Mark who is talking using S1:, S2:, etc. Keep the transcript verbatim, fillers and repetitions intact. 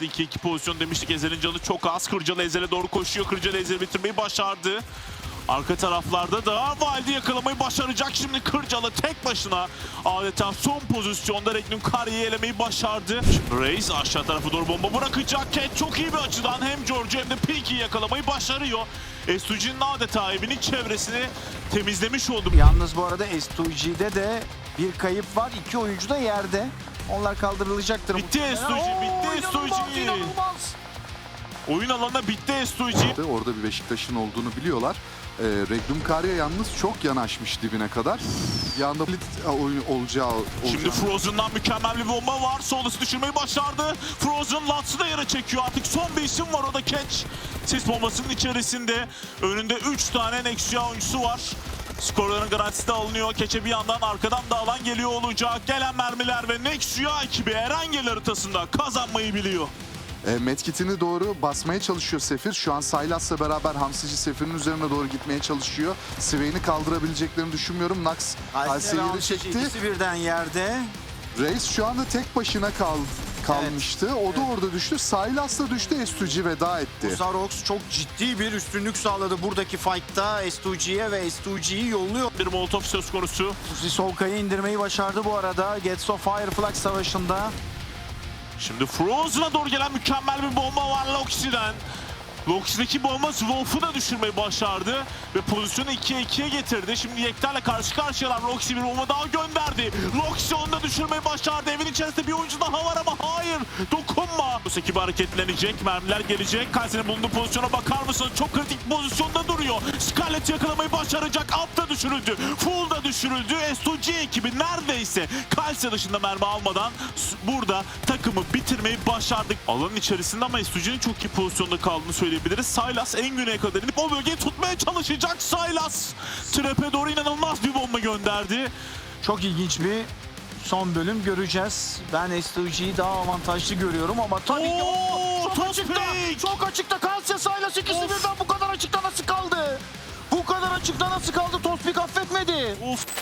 S1: Kırcalı iki iki pozisyon demiştik. Ezel'in canı çok az. Kırcalı Ezel'e doğru koşuyor. Kırcalı Ezel'i bitirmeyi başardı. Arka taraflarda da Valdi yakalamayı başaracak. Şimdi Kırcalı tek başına adeta son pozisyonda Regnum Kari'yi elemeyi başardı. Şimdi Reis aşağı tarafa doğru bomba bırakacak. Cat çok iyi bir açıdan hem George'u hem de Peaky'yi yakalamayı başarıyor. S iki G'nin adeta evinin çevresini temizlemiş oldu.
S2: Yalnız bu arada S iki G'de de bir kayıp var. İki oyuncu da yerde. Onlar kaldırılacaktır.
S1: Bitti S iki G, bitti S iki G. Oyun alanına bitti S iki G.
S3: Orada bir Beşiktaş'ın olduğunu biliyorlar. Ee, Regnum Karya yalnız çok yanaşmış dibine kadar. Yanda oyun olacağı, olacağı.
S1: Şimdi Frozen'dan mükemmel bir bomba var. Solus düşürmeyi başardı. Frozen Lutz'ı da yere çekiyor. Artık son bir isim var, o da Catch. Sis bombasının içerisinde. Önünde üç tane Nexia oyuncusu var. Skorların garantisi de alınıyor. Keçe bir yandan arkadan da alan geliyor olacak. Gelen mermiler ve Nexia ekibi Erangel haritasında kazanmayı biliyor.
S3: E, Medkit'ini doğru basmaya çalışıyor Sefir. Şu an Sylas'la beraber Hamsici Sefir'in üzerine doğru gitmeye çalışıyor. Swain'i kaldırabileceklerini düşünmüyorum. Nax Halsey'i de çekti.
S2: İkisi birden yerde.
S3: Reis şu anda tek başına kal kalmıştı. Evet. O da evet. Orada düştü. Sylas da düştü. S iki G veda etti.
S2: Zarox çok ciddi bir üstünlük sağladı buradaki fight'ta S iki G'ye ve S iki G'yi yolluyor.
S1: Bir Molotov söz konusu.
S2: Solkay'ı indirmeyi başardı bu arada. Gets of Fireflux savaşında.
S1: Şimdi Frozen'a doğru gelen mükemmel bir bomba var Loxi'den. Loxi'deki bomba Wolf'u da düşürmeyi başardı ve pozisyonu ikiye ikiye getirdi. Şimdi Yekter'le karşı karşıyalar. Loxi bir bomba daha gönderdi. Loxi onu da düşürmeyi başardı. Evin içerisinde bir oyuncu daha var ama hayır, dokunma. Bu ekibi hareketlenecek, mermiler gelecek. Kalsi'nin bulunduğu pozisyona bakar mısınız? Çok kritik pozisyonda duruyor. Scarlet yakalamayı başaracak. Alt da düşürüldü. Full da düşürüldü. S iki G ekibi neredeyse Kalsi dışında mermi almadan burada takımı bitirmeyi başardık. Alanın içerisinde ama S iki G'nin çok iyi pozisyonda kaldığını söyleyebiliriz. Sylas en güneye kadar inip o bölgeyi tutmaya çalışacak. Sylas trap'e doğru inanılmaz bir bomba gönderdi.
S2: Çok ilginç bir son bölüm göreceğiz. Ben S iki G'yi daha avantajlı görüyorum ama tabii ki
S1: Oo,
S2: çok açıkta. Çok açıkta Kalsiye Sylas ikisi birden bu kadar açıkta nasıl kaldı? Bu kadar açıkta nasıl kaldı? Tospik affetmedi.
S1: Of.